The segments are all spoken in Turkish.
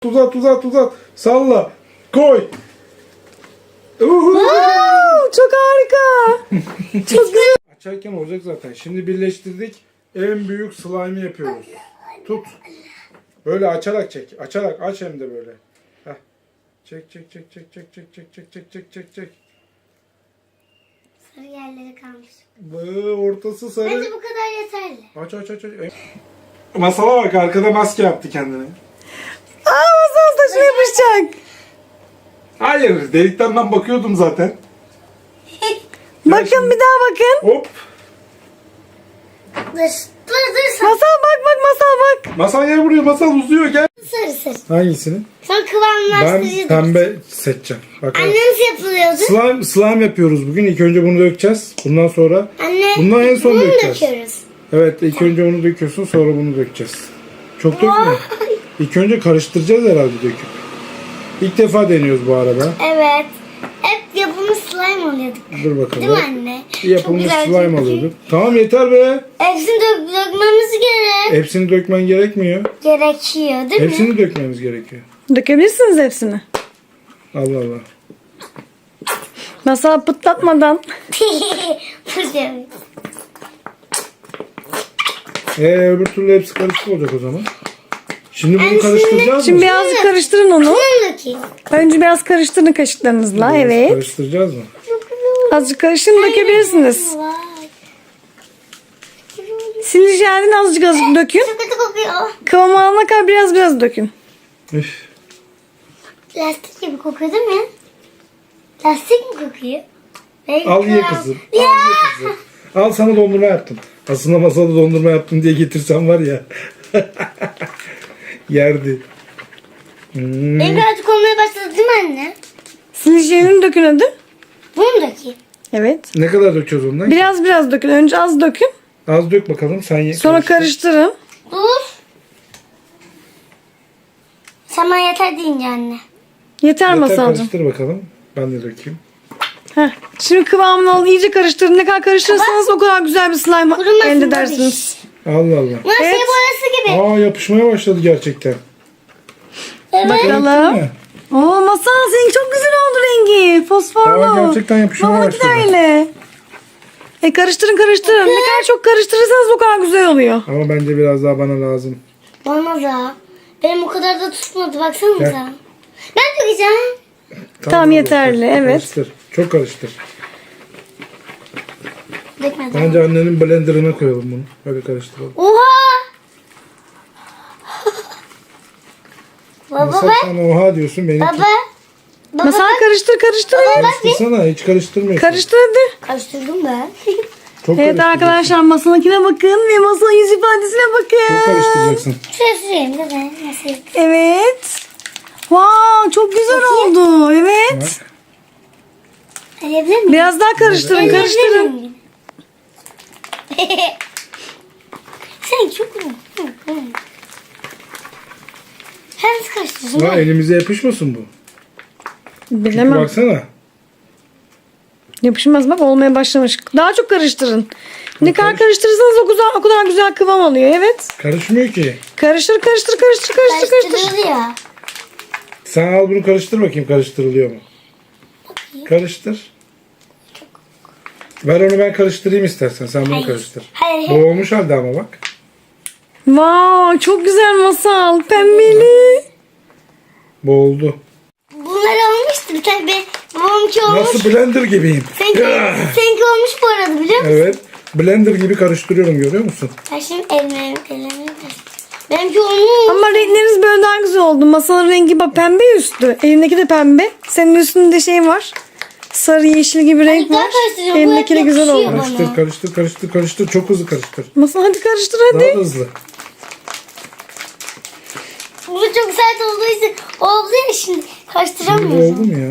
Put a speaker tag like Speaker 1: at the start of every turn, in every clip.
Speaker 1: Uzat. Salla. Koy.
Speaker 2: Çok harika. Çok güzel.
Speaker 1: Açarken olacak zaten. Şimdi birleştirdik. En büyük slime'ı yapıyoruz. Tut. Böyle açarak çek. Açarak aç hem de böyle. Heh. Çek.
Speaker 3: Sarı yerleri kalmış.
Speaker 1: Ortası sarı.
Speaker 3: Bence bu kadar yeterli.
Speaker 1: Aç. Masala bak, arkada maske yaptı kendine.
Speaker 2: Masal saçına yapışacak.
Speaker 1: Hayır, delikten ben bakıyordum zaten.
Speaker 2: Bakın bir daha bakın.
Speaker 1: Hop.
Speaker 3: Dur.
Speaker 2: Masal bak masal bak.
Speaker 1: Masal gel buraya, masal uzuyor, gel.
Speaker 3: Sarı.
Speaker 1: Hangisini?
Speaker 3: Sonra
Speaker 1: Ben
Speaker 3: kıvamlaştırıcı.
Speaker 1: pembe seçeceğim. Bak.
Speaker 3: Anne nasıl yapılıyordu?
Speaker 1: Slime yapıyoruz bugün. İlk önce bunu dökeceğiz. Bundan sonra
Speaker 3: Anne
Speaker 1: bundan en son
Speaker 3: bunu
Speaker 1: dökeceğiz.
Speaker 3: döküyoruz.
Speaker 1: Evet, ilk önce onu döküyorsun, sonra bunu dökeceğiz. Çok dökme. İlk önce karıştıracağız herhalde döküp. İlk defa deniyoruz bu arada.
Speaker 3: Evet. Hep yapılmış slime oluyorduk.
Speaker 1: Dur bakalım.
Speaker 3: Değil mi anne?
Speaker 1: Yapılmış
Speaker 3: Çok güzel
Speaker 1: slime
Speaker 3: çünkü.
Speaker 1: alıyorduk. Tamam, yeter be.
Speaker 3: Hepsini dökmemiz gerek.
Speaker 1: Hepsini dökmen gerekmiyor.
Speaker 3: Gerekiyor değil mi?
Speaker 1: Hepsini dökmemiz gerekiyor.
Speaker 2: Dökebilirsiniz hepsini.
Speaker 1: Allah.
Speaker 2: Masal pıtlatmadan.
Speaker 3: Fırçalı.
Speaker 1: Öbür türlü hepsi karışık olacak o zaman. Şimdi bunu
Speaker 3: Yani
Speaker 1: karıştıracağız
Speaker 2: Şimdi
Speaker 1: mı?
Speaker 2: birazcık karıştırın onu.
Speaker 3: Bunu dökeyim.
Speaker 2: Önce biraz karıştırın kaşıklarınızla.
Speaker 1: Biraz
Speaker 2: Evet.
Speaker 1: Karıştıracağız mı?
Speaker 2: Azıcık karışın dökebilirsiniz.
Speaker 3: Vay.
Speaker 2: Silici jelden azıcık dökün.
Speaker 3: Çok kötü kokuyor.
Speaker 2: Kıvam alana kadar biraz dökün.
Speaker 1: Üf.
Speaker 3: Lastik gibi kokuyor değil mi? Lastik mi kokuyor?
Speaker 1: Al ye kızım. Al ye kızım. Al, sana dondurma yaptım. Aslında masada dondurma yaptım diye getirsem var ya. Yerdi.
Speaker 3: Benim birazcık olmaya başladı değil mi anne?
Speaker 2: Silici jelini dökün hadi.
Speaker 3: Bunu mu dökeyim?
Speaker 2: Evet.
Speaker 1: Ne kadar döküyoruz ondan?
Speaker 2: Biraz dökün. Önce az dökün.
Speaker 1: Az dök bakalım, sen ye.
Speaker 2: Sonra karıştırın.
Speaker 3: Dur. Sen bana yeter deyince anne.
Speaker 2: Yeter
Speaker 1: Yeter,
Speaker 2: Masalcığım.
Speaker 1: karıştır bakalım. Ben de dökeyim.
Speaker 2: Heh. Şimdi kıvamını alın. İyice karıştırın. Ne kadar karıştırırsanız o kadar güzel bir slime
Speaker 3: Kurumasın
Speaker 2: elde
Speaker 3: tabii.
Speaker 2: edersiniz.
Speaker 1: Allah Allah.
Speaker 3: Bunlar şey
Speaker 2: Evet.
Speaker 3: boyası gibi.
Speaker 1: Yapışmaya başladı gerçekten.
Speaker 3: Evet.
Speaker 2: Bakalım.
Speaker 1: Değil mi?
Speaker 2: Oo Masal senin çok güzel oldu rengi. Fosforlu.
Speaker 1: Gerçekten yapışmaya
Speaker 2: Babanınki de
Speaker 1: başladı.
Speaker 2: öyle. Karıştırın. Ne kadar çok karıştırırsanız o kadar güzel oluyor.
Speaker 1: Ama bence biraz daha bana lazım.
Speaker 3: Bana da. Benim o kadar da tutmadı baksanıza.
Speaker 1: Gel.
Speaker 3: Ben dökeceğim.
Speaker 2: Tamam, yeterli, evet.
Speaker 1: Karıştır. Çok karıştır.
Speaker 3: Dökmedim.
Speaker 1: Bence annenin blenderına koyalım bunu. Böyle karıştıralım.
Speaker 3: Oha! Baba
Speaker 1: Masal,
Speaker 3: bak.
Speaker 1: sen oha diyorsun, benimki.
Speaker 3: Baba. Baba
Speaker 2: Masal
Speaker 3: bak.
Speaker 2: karıştır.
Speaker 1: Karıştırsana, hiç karıştırmıyorsun.
Speaker 2: Karıştır hadi.
Speaker 3: Karıştırdım ben.
Speaker 1: Çok
Speaker 2: Evet
Speaker 1: karıştıracaksın.
Speaker 2: arkadaşlar masanınkine bakın ve masanın yüz ifadesine bakın.
Speaker 1: Çok karıştıracaksın.
Speaker 3: Şuraya süreyim de ben nasıl?
Speaker 2: Evet. Wow, çok güzel oldu. Evet.
Speaker 3: Alabilir miyim?
Speaker 2: Biraz daha karıştırın.
Speaker 3: Sen çok Sen nasıl karıştırdın?
Speaker 1: Ha, elimize yapışmasın bu. Çünkü
Speaker 2: Bilemem.
Speaker 1: baksana.
Speaker 2: Yapışmaz bak, olmaya başlamış. Daha çok karıştırın. Ne kadar karıştırırsanız o kadar güzel kıvam alıyor. Evet.
Speaker 1: Karışmıyor ki.
Speaker 2: Karıştır.
Speaker 3: Karıştırılıyor ya.
Speaker 1: Sen al bunu, karıştır bakayım, karıştırılıyor mu? Karıştır. Ver onu, ben karıştırayım istersen. Sen bunu
Speaker 3: Hayır.
Speaker 1: karıştır.
Speaker 3: Hayır.
Speaker 1: Bu olmuş halde ama bak.
Speaker 2: Wow, çok güzel Masal. Pembeli.
Speaker 1: Bu oldu.
Speaker 3: Bunlar olmuştu. Bir tane babamki olmuş.
Speaker 1: Nasıl blender gibiyim.
Speaker 3: Seninki olmuş bu arada biliyor musun?
Speaker 1: Evet. Blender gibi karıştırıyorum, görüyor musun?
Speaker 3: Ben şimdi elime benimki olmuş.
Speaker 2: Ama renkleriniz böyle daha güzel oldu. Masanın rengi bak pembe üstü. Elindeki de pembe. Senin üstünde şey var. Sarı yeşil gibi renk
Speaker 3: daha
Speaker 2: var.
Speaker 3: karıştıracağım. Bu
Speaker 2: Elindeki de
Speaker 3: hep
Speaker 2: güzel
Speaker 3: yakışıyor
Speaker 2: oldu.
Speaker 3: bana.
Speaker 1: Karıştır. Çok hızlı karıştır.
Speaker 2: Masal hadi karıştır
Speaker 1: Daha
Speaker 2: hadi.
Speaker 1: da hızlı.
Speaker 3: Bu çok sert olduğu için oldu ya şimdi.
Speaker 1: Şimdi bu
Speaker 3: Karıştıramıyorum.
Speaker 1: oldu mu ya?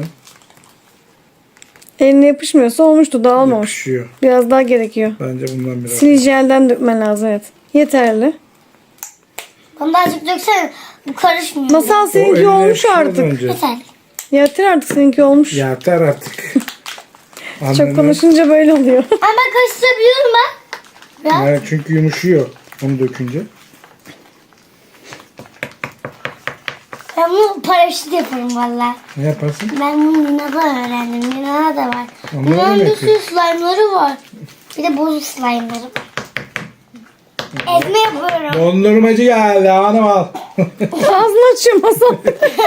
Speaker 2: Eline yapışmıyorsa olmuştu, dağılmamış.
Speaker 1: Yapışıyor.
Speaker 2: Biraz daha gerekiyor.
Speaker 1: Bence bundan biraz.
Speaker 2: Silici jelden dökmen lazım, evet. Yeterli.
Speaker 3: Bana daha çok döksene. Bu karışmıyor.
Speaker 2: Masal seninki
Speaker 1: eline
Speaker 2: olmuş
Speaker 1: yapışıyor
Speaker 2: artık.
Speaker 1: bence.
Speaker 3: Yeter.
Speaker 2: Yeter artık, seninki olmuş.
Speaker 1: Yeter artık.
Speaker 2: Çok konuşunca böyle oluyor.
Speaker 3: Ama ben karıştırabiliyorum ben. Biraz.
Speaker 1: Evet, çünkü yumuşuyor onu dökünce.
Speaker 3: Ben bunu paraşüt yaparım valla.
Speaker 1: Ne yaparsın?
Speaker 3: Ben bunu Lina'da öğrendim. Lina'da da var.
Speaker 1: Onlar
Speaker 3: Bunların
Speaker 1: ne
Speaker 3: bir sürü slime'ları var. Bir de bozuk slime'ları var. Ezme yapıyorum.
Speaker 1: Dondurmacı geldi hanım al.
Speaker 2: Ağzını açıyor masal.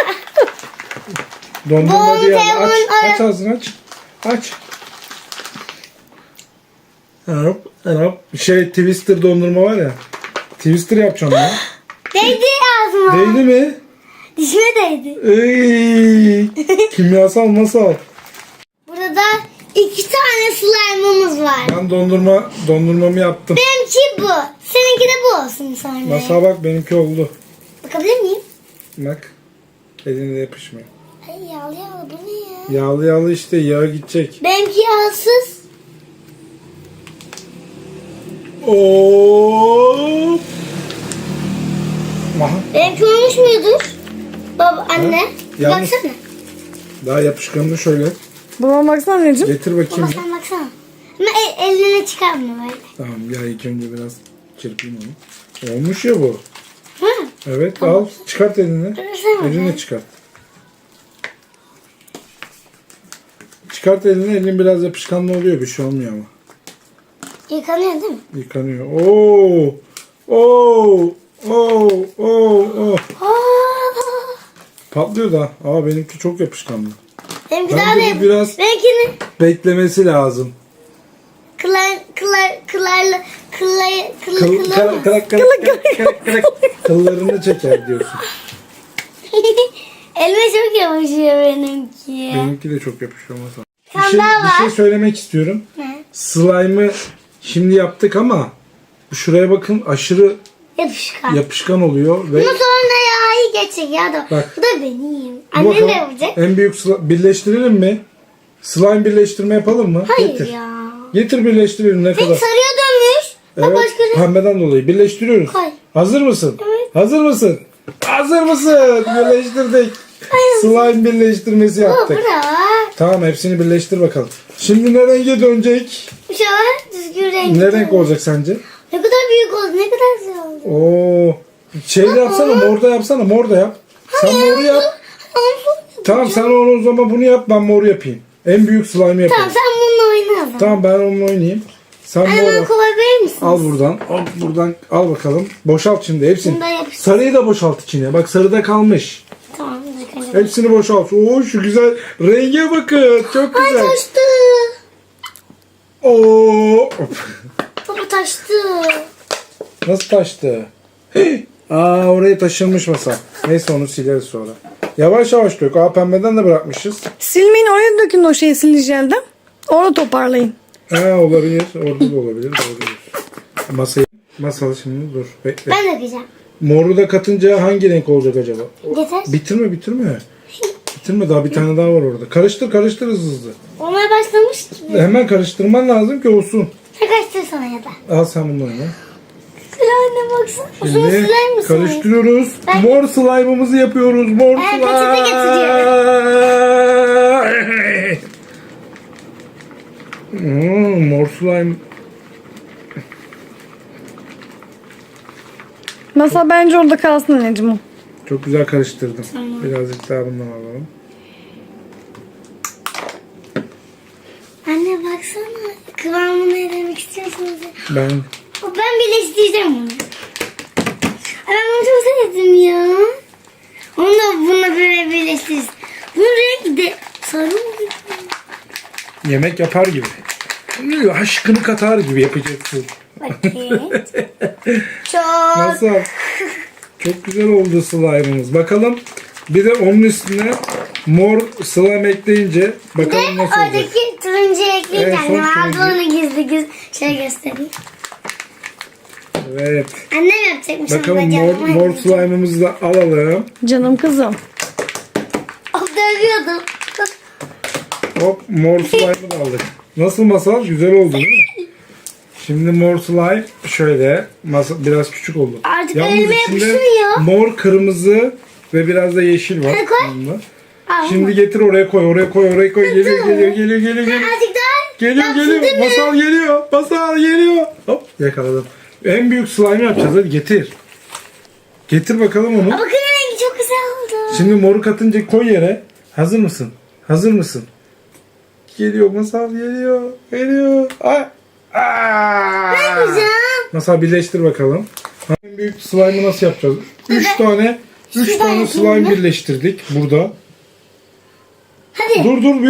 Speaker 1: Dondurmacı geldi. Aç,
Speaker 3: Bonte'nin
Speaker 1: aç ağzını aç. Aç. Hop, hop. Twister dondurma var ya. Twister yapacağım ya.
Speaker 3: Değdi ağzıma.
Speaker 1: Değdi mi?
Speaker 3: Dişime değdi.
Speaker 1: Ey, kimyasal masal.
Speaker 3: Burada da 2 tane slime'ımız var.
Speaker 1: Ben dondurmamı yaptım.
Speaker 3: Benimki bu. Seninki de bu olsun sonra.
Speaker 1: Masal bak benimki oldu.
Speaker 3: Bakabilir miyim?
Speaker 1: Bak. Eline yapışmıyor.
Speaker 3: Ay yağlı yağlı bu ne ya?
Speaker 1: Yağlı yağlı işte yağ gidecek.
Speaker 3: Benimki yağsız.
Speaker 1: Oo. Aha,
Speaker 3: Benimki olmuş mudur? Baba anne.
Speaker 1: Ha? Yalnız-
Speaker 3: Baksana.
Speaker 1: daha yapışkanını şöyle
Speaker 2: Babama baksana anneciğim.
Speaker 1: getir
Speaker 3: Baba
Speaker 1: bakayım.
Speaker 3: sen baksana. Ama eline çıkarma böyle.
Speaker 1: Tamam ya ilk önce biraz çırpayım onu. Olmuş ya bu.
Speaker 3: Hı?
Speaker 1: Evet al çıkart elini.
Speaker 3: Dursana
Speaker 1: Eline
Speaker 3: be.
Speaker 1: çıkart. Çıkart elini, elin biraz yapışkanlı oluyor, bir şey olmuyor ama.
Speaker 3: Yıkanıyor değil mi?
Speaker 1: Yıkanıyor. Oo! Oo! Oo! Oo!
Speaker 3: Aa,
Speaker 1: Patlıyor da. Aa benimki çok yapışkanlı.
Speaker 3: benimki
Speaker 1: Bence
Speaker 3: daha
Speaker 1: bu
Speaker 3: da
Speaker 1: biraz-
Speaker 3: Benimkinin
Speaker 1: Beklemesi lazım. Kıllarını çeker diyorsun.
Speaker 3: Elime çok yapışıyor benimki.
Speaker 1: Benimki de çok yapışıyor masa.
Speaker 3: Sen daha
Speaker 1: Bir
Speaker 3: var.
Speaker 1: şey söylemek istiyorum.
Speaker 3: Ne?
Speaker 1: Slime'ı şimdi yaptık ama şuraya bakın aşırı
Speaker 3: Yapışkan.
Speaker 1: yapışkan oluyor ve
Speaker 3: Bunu sonra yağı geçecek ya da.
Speaker 1: Bak.
Speaker 3: Bu da benim.
Speaker 1: bu
Speaker 3: Annem
Speaker 1: bakalım
Speaker 3: de yapacak.
Speaker 1: en büyük birleştirelim mi? Slime birleştirme yapalım mı?
Speaker 3: Hayır
Speaker 1: Getir.
Speaker 3: ya.
Speaker 1: Getir birleştirelim ne
Speaker 3: Peki
Speaker 1: kadar.
Speaker 3: sarıya dönmüş. Bak
Speaker 1: Evet,
Speaker 3: başka ne?
Speaker 1: pembeden dolayı birleştiriyoruz.
Speaker 3: Koy.
Speaker 1: Hazır mısın?
Speaker 3: Evet.
Speaker 1: Hazır mısın? Hazır mısın? Birleştirdik. Slime birleştirmesi
Speaker 3: Bu
Speaker 1: yaptık.
Speaker 3: bırak.
Speaker 1: Tamam hepsini birleştir bakalım. Şimdi ne renge dönecek?
Speaker 3: Şu an düzgün renk.
Speaker 1: Ne renk olacak sence?
Speaker 3: Ne kadar büyük oldu. Ne kadar güzel oldu.
Speaker 1: Oo. Şeyde yapsana, morda yapsana, morda yap. Sen moru yap. Tamam sen onu o zaman bunu yap, ben moru yapayım. En büyük slime yapayım.
Speaker 3: Tamam sen bununla oyna o zaman.
Speaker 1: Tamam ben onunla oynayayım. Sen
Speaker 3: Anne
Speaker 1: mor
Speaker 3: bana
Speaker 1: yap.
Speaker 3: kolay verir misin?
Speaker 1: Al buradan, al buradan, al bakalım. Boşalt şimdi hepsini.
Speaker 3: Bunu da yapıştır.
Speaker 1: Sarıyı da boşalt içine. Bak sarıda kalmış.
Speaker 3: Tamam. ilk önce-
Speaker 1: Hepsini boşalt. Oo şu güzel renge bakın. Çok
Speaker 3: Ay
Speaker 1: güzel.
Speaker 3: taştı.
Speaker 1: Oo.
Speaker 3: Baba taştı.
Speaker 1: Nasıl taştı? Hih! Aa oraya taşınmış masa. Neyse onu sileriz sonra. Yavaş yavaş dök. Aa pembeden de bırakmışız.
Speaker 2: Silmeyin, oraya dökün o şeyi silicelden. Orada toparlayın.
Speaker 1: Ha olabilir. Orada da olabilir. Olabilir. Masal şimdi dur. Bekle.
Speaker 3: Ben dökeceğim.
Speaker 1: Moru da katınca hangi renk olacak acaba?
Speaker 3: Yeter.
Speaker 1: Bitirme. Bitirme daha bir tane daha var orada. Karıştır hızlı.
Speaker 3: Olmaya başlamış gibi.
Speaker 1: Hemen karıştırman lazım ki olsun.
Speaker 3: Sen kaçtır sana ya da.
Speaker 1: Al sen bunu oyna.
Speaker 3: Sıra anne baksana. Uzun
Speaker 1: Şimdi
Speaker 3: siler misin?
Speaker 1: karıştırıyoruz.
Speaker 3: Ben-
Speaker 1: Mor slime'ımızı yapıyoruz. Mor
Speaker 3: Ben
Speaker 1: slime.
Speaker 3: peçete
Speaker 1: Mor slime.
Speaker 2: Masal bence orada kalsın anneciğim o.
Speaker 1: Çok güzel karıştırdım. Birazcık daha bundan alalım.
Speaker 3: Anne baksana. Kıvamını ne demek istiyorsunuz?
Speaker 1: Ben
Speaker 3: Ben birleştireceğim bunu. Ay, ben bunu çok sevdim ya. Onu da bununla böyle birleştiririz. Bunun rengi de sarı mı?
Speaker 1: yemek yapar gibi. Aşkını katar gibi yapacaksın.
Speaker 3: Bakayım. Çok.
Speaker 1: Nasıl? Çok güzel oldu slime'ımız. Bakalım bir de onun üstüne mor slime ekleyince bakalım nasıl olacak.
Speaker 3: Oradaki turuncu ekleyince
Speaker 1: Evet,
Speaker 3: annem
Speaker 1: son
Speaker 3: aldı
Speaker 1: turuncu.
Speaker 3: onu gizli şey göstereyim.
Speaker 1: Evet.
Speaker 3: Annem yapacakmış
Speaker 1: Bakalım
Speaker 3: ama
Speaker 1: mor,
Speaker 3: canım.
Speaker 1: mor slime'ımızı da alalım.
Speaker 2: Canım kızım.
Speaker 3: Of dövüyordum.
Speaker 1: Hop mor slime'ı da aldık. Nasıl masal? Güzel oldu değil mi? Şimdi mor slime şöyle biraz küçük oldu.
Speaker 3: Artık
Speaker 1: Yalnız
Speaker 3: elime
Speaker 1: içinde
Speaker 3: yapışmıyor.
Speaker 1: mor, kırmızı ve biraz da yeşil var.
Speaker 3: Hadi koy.
Speaker 1: Yanında.
Speaker 3: Al.
Speaker 1: Şimdi getir oraya koy. Geliyor.
Speaker 3: Azıcık daha.
Speaker 1: Geliyor.
Speaker 3: Yapsın değil mi?
Speaker 1: Masal geliyor. Hop yakaladım. En büyük slime yapacağız. Hadi getir. Getir bakalım onu.
Speaker 3: Bakın rengi çok güzel oldu.
Speaker 1: Şimdi moru katınca koy yere. Hazır mısın? Hazır mısın? Geliyor Masal, geliyor. Geliyor. Ay. Aa!
Speaker 3: Ne yapacağım?
Speaker 1: Masal birleştir bakalım. En büyük slime'ı nasıl yapacağız? 3 tane slime birleştirdik burada.
Speaker 3: Hadi.
Speaker 1: Dur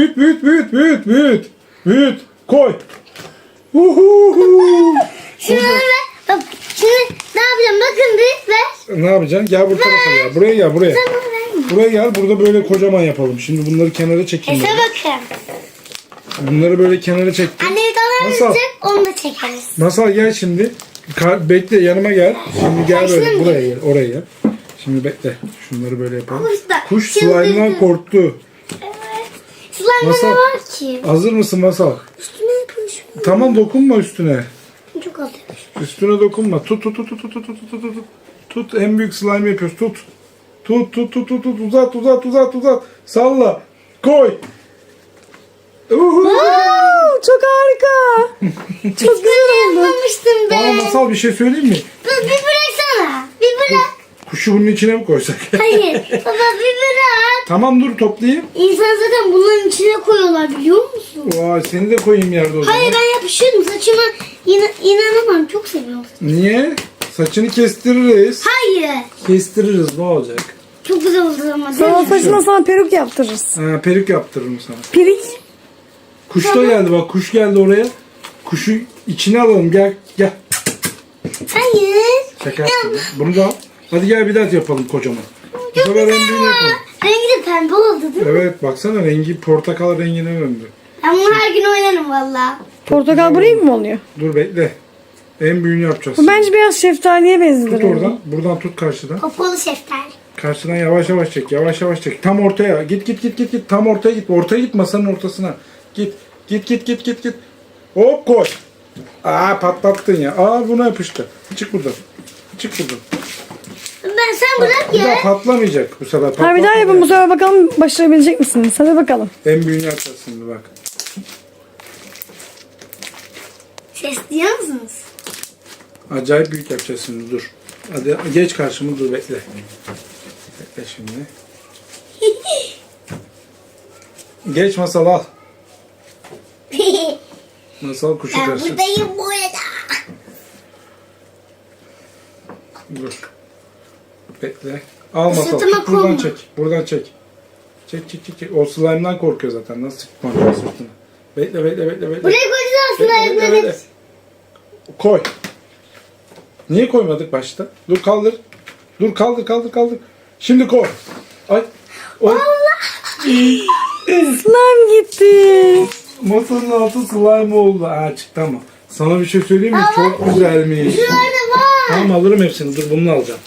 Speaker 1: büyüt. Koy. Uhuhu.
Speaker 3: Şunu ver. Bak şimdi ne yapacağım? Bakın bir ver.
Speaker 1: Ne yapacaksın? Gel bu tarafa gel. Buraya gel buraya.
Speaker 3: Tamam ver.
Speaker 1: Buraya gel. Burada böyle kocaman yapalım. Şimdi bunları kenara çekeyim.
Speaker 3: Ese
Speaker 1: ben.
Speaker 3: bakın.
Speaker 1: Bunları böyle kenara çektim.
Speaker 3: Anne kamera
Speaker 1: Masal.
Speaker 3: verecek onu da çekeriz.
Speaker 1: Masal gel şimdi. Bekle yanıma gel. Şimdi gel böyle
Speaker 3: Başlayalım.
Speaker 1: buraya gel. Oraya gel. Şimdi bekle. Şunları böyle yapalım.
Speaker 3: Kuş da
Speaker 1: Kuş
Speaker 3: çıldırdı.
Speaker 1: slime'dan korktu.
Speaker 3: Slime'da
Speaker 1: Masal.
Speaker 3: ne var ki?
Speaker 1: Hazır mısın Masal?
Speaker 3: Üstüne yapışmış.
Speaker 1: Tamam dokunma üstüne.
Speaker 3: Çok az yapışmış.
Speaker 1: Üstüne dokunma. Tut. Tut. En büyük slime yapıyoruz. Tut. Tut. Uzat. Salla. Koy. Uhu.
Speaker 2: Wow, çok harika. Çok güzel oldu.
Speaker 3: Yapmamıştım
Speaker 1: Bana
Speaker 3: ben.
Speaker 1: Masal bir şey söyleyeyim mi?
Speaker 3: Dur bir bıraksana. Bir bırak.
Speaker 1: Kuşu bunun içine mi koysak?
Speaker 3: Hayır. Baba bir bırak.
Speaker 1: Tamam dur toplayayım.
Speaker 3: İnsan zaten bunların içine koyuyorlar biliyor musun?
Speaker 1: Vay seni de koyayım yerde o zaman.
Speaker 3: Hayır ben yapışıyorum saçıma. İnanamam çok seviyorum saçımı.
Speaker 1: Niye? Saçını kestiririz.
Speaker 3: Hayır.
Speaker 1: Kestiririz ne olacak?
Speaker 3: Çok güzel oldu ama değil
Speaker 2: Sana
Speaker 3: mi?
Speaker 2: saçına sana peruk yaptırırız.
Speaker 1: Ha, peruk yaptırırım sana.
Speaker 2: Pirik.
Speaker 1: Kuş da geldi bak kuş geldi oraya. Kuşu içine alalım gel.
Speaker 3: Hayır.
Speaker 1: Şaka yaptım. Bunu da al. Hadi gel bir daha yapalım kocaman. Bu sefer en büyüğünü yapalım.
Speaker 3: Rengi de pembe oldu değil mi?
Speaker 1: Evet baksana rengi portakal rengine döndü.
Speaker 3: Ben bunu her gün oynarım valla.
Speaker 2: Portakal bu renk mi oluyor?
Speaker 1: Dur bekle. En büyüğünü yapacağız.
Speaker 2: Bu bence biraz şeftaliye benziyor.
Speaker 1: Tut oradan. Buradan tut karşıdan.
Speaker 3: Popolu şeftali.
Speaker 1: Karşıdan yavaş yavaş çek. Yavaş yavaş çek. Tam ortaya. Git. Tam ortaya git. Ortaya git masanın ortasına. Git. Hop koy. Aa patlattın ya. Aa buna yapıştı. Çık buradan.
Speaker 3: Ben sen bırak
Speaker 1: Bu da
Speaker 3: ya.
Speaker 1: patlamayacak bu sefer.
Speaker 2: Ha bir daha
Speaker 1: Patlatmayacak.
Speaker 2: yapın bu sefer bakalım başarabilecek misiniz? Hadi bakalım.
Speaker 1: En büyüğünü yapacağız şimdi bak.
Speaker 3: Ses duyuyor musunuz?
Speaker 1: Acayip büyük yapacağız şimdi dur. Hadi geç karşıma dur bekle. Bekle şimdi. Geç masal al. Masal kuşu
Speaker 3: Ben
Speaker 1: karşı.
Speaker 3: buradayım bu arada.
Speaker 1: Dur. Bekle. Al masal.
Speaker 3: Sırtıma
Speaker 1: Tut, buradan
Speaker 3: koyma.
Speaker 1: çek. Buradan çek. Çek. O slime'dan korkuyor zaten. Nasıl çıkmak sırtına. Bekle.
Speaker 3: Buraya koyacağız aslında.
Speaker 1: Bekle.
Speaker 3: Evet.
Speaker 1: Koy. Niye koymadık başta? Dur kaldır. Dur kaldır. Şimdi koy. Ay. Oy.
Speaker 2: Slime gitti.
Speaker 1: Masanın altı slime oldu. Ha çıktı ama. Sana bir şey söyleyeyim mi? Çok güzelmiş.
Speaker 3: Şurada var.
Speaker 1: Tamam alırım hepsini. Dur bunu alacağım.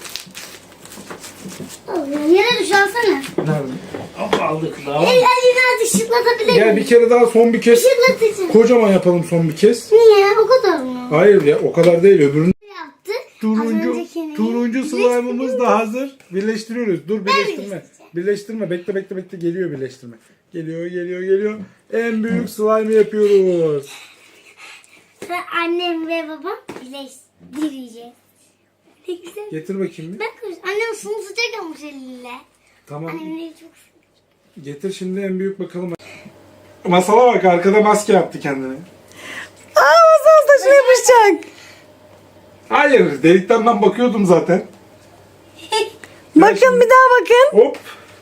Speaker 3: Yere düş alsana.
Speaker 1: Nerede? Hop aldık daha.
Speaker 3: Elini azıcık şıklatabilir
Speaker 1: Gel
Speaker 3: miyim?
Speaker 1: bir kere daha son bir kez.
Speaker 3: Şıklatacağım.
Speaker 1: Kocaman yapalım son bir kez.
Speaker 3: Niye? O kadar mı?
Speaker 1: Hayır ya o kadar değil öbürünü.
Speaker 3: Yaptık. Az öncekini.
Speaker 1: Turuncu slime'ımız da hazır. Birleştiriyoruz. Dur birleştirme.
Speaker 3: birleştireceğim.
Speaker 1: Birleştirme. Bekle. Geliyor birleştirme. Geliyor. En büyük slime'ı yapıyoruz.
Speaker 3: Ve annem ve babam birleştireceğiz. Ne güzel.
Speaker 1: Getir bakayım bir.
Speaker 3: Bak annem sunu sıcak almış eliyle.
Speaker 1: Tamam.
Speaker 3: Annem çok
Speaker 1: Getir şimdi en büyük bakalım. Masala bak arkada maske yaptı kendine.
Speaker 2: Aa masal saçına yapışacak.
Speaker 1: Hayır delikten ben bakıyordum zaten.
Speaker 2: Bakın bir daha bakın.
Speaker 1: Hop.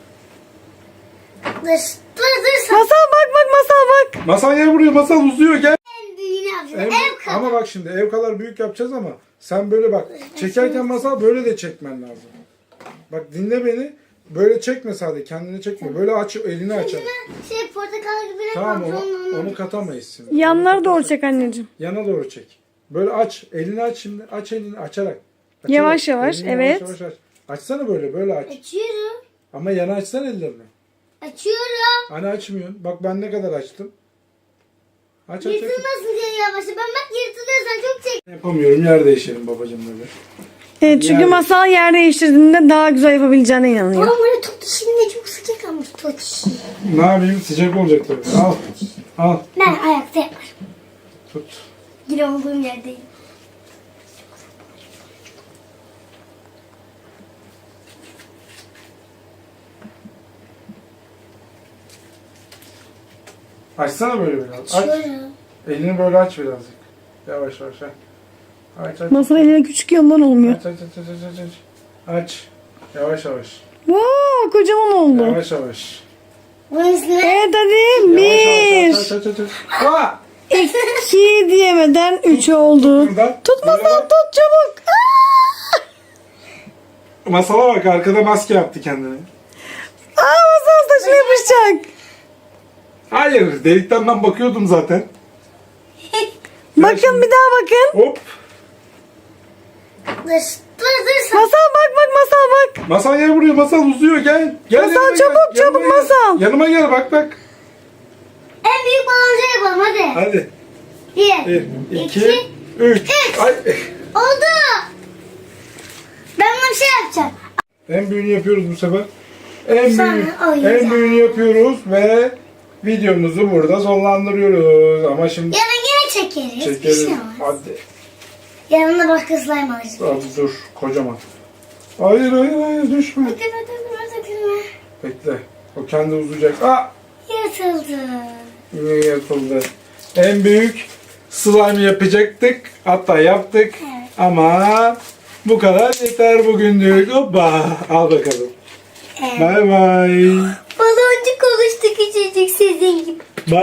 Speaker 3: Dur.
Speaker 2: Masal bak masal bak.
Speaker 1: Masal gel buraya masal uzuyor gel.
Speaker 3: En büyüğünü yapacağız.
Speaker 1: En-
Speaker 3: Ev kadar.
Speaker 1: ama bak şimdi ev kadar büyük yapacağız ama sen böyle bak. Çekerken masal böyle de çekmen lazım. Bak dinle beni. Böyle çekme sadece kendini çekme. Böyle aç elini aç.
Speaker 3: Şey portakal gibi ne
Speaker 1: Tamam
Speaker 3: yapalım?
Speaker 1: onu katamayız şimdi.
Speaker 2: Yanları doğru çek anneciğim.
Speaker 1: Yana doğru çek. Böyle aç. Elini aç şimdi. Aç elini açarak.
Speaker 2: Yavaş yavaş,
Speaker 1: Elini
Speaker 2: evet.
Speaker 1: Yavaş aç. Açsana böyle aç.
Speaker 3: Açıyorum.
Speaker 1: Ama yana açsana ellerini.
Speaker 3: Açıyorum.
Speaker 1: Hani açmıyorsun. Bak ben ne kadar açtım. Aç.
Speaker 3: Yırtılmasın diye yavaş. Ben bak yırtılıyorsan çok çek.
Speaker 1: Yapamıyorum. Yer değişelim babacığım böyle.
Speaker 2: Evet çünkü
Speaker 1: Yani-
Speaker 2: masal yer değiştirdiğinde daha güzel yapabileceğine inanıyor.
Speaker 3: Ama böyle top dişinde çok sıcak almış top dişi.
Speaker 1: Ne yapayım? Sıcak olacak tabii. Al.
Speaker 3: Ben ayakta yaparım.
Speaker 1: Tut.
Speaker 3: Yine olduğum yerdeyim.
Speaker 1: Açsana böyle biraz. Aç.
Speaker 3: Şöyle.
Speaker 1: Elini böyle aç birazcık. Yavaş yavaş. Aç.
Speaker 2: Masal eline küçük yandan olmuyor.
Speaker 1: Aç. Yavaş yavaş.
Speaker 2: Vaa kocaman oldu.
Speaker 1: Yavaş yavaş.
Speaker 3: Bunun üstüne
Speaker 2: Evet hadi.
Speaker 1: Yavaş.
Speaker 2: Bir.
Speaker 1: Aç. Aa!
Speaker 2: 2 diyemeden 3 oldu.
Speaker 1: Buradan.
Speaker 2: Tut Masal tut çabuk.
Speaker 1: Masala bak, arkada maske yaptı kendine.
Speaker 2: Masal saçına yapışacak.
Speaker 1: Hayır, delikten ben bakıyordum zaten.
Speaker 2: Bakın bir daha bakın.
Speaker 1: Hop.
Speaker 3: dur.
Speaker 2: Masal bak Masal bak.
Speaker 1: Masal gel buraya, Masal uzuyor, gel.
Speaker 2: Masal,
Speaker 1: yanıma
Speaker 2: çabuk,
Speaker 1: gel,
Speaker 2: çabuk
Speaker 1: yanıma gel.
Speaker 2: Masal.
Speaker 1: Yanıma gel, bak.
Speaker 3: En büyük baloncu yapalım hadi.
Speaker 1: Hadi.
Speaker 3: 1,
Speaker 1: 2, 3. Ay.
Speaker 3: Oldu. Ben buna bir şey yapacağım.
Speaker 1: En büyüğünü yapıyoruz bu sefer. En
Speaker 3: Sonra oynayacağım.
Speaker 1: en büyüğünü yapıyoruz ve videomuzu burada sonlandırıyoruz. Ama şimdi
Speaker 3: Yarın yine çekeriz. Bir
Speaker 1: çekeriz.
Speaker 3: şey olmaz.
Speaker 1: Hadi.
Speaker 3: Yarın da başka slime alacağız.
Speaker 1: Hadi dur, kocaman. Hayır, düşme.
Speaker 3: Dökülme.
Speaker 1: Bekle. O kendi uzayacak. Aa!
Speaker 3: Yırtıldı.
Speaker 1: Yine yapıldı. En büyük slime yapacaktık. Hatta yaptık.
Speaker 3: Evet.
Speaker 1: Ama bu kadar yeter bugünlük. Hoppa. Al bakalım.
Speaker 3: Evet.
Speaker 1: Bay bay.
Speaker 3: Baloncuk oluştu küçücük sizin gibi.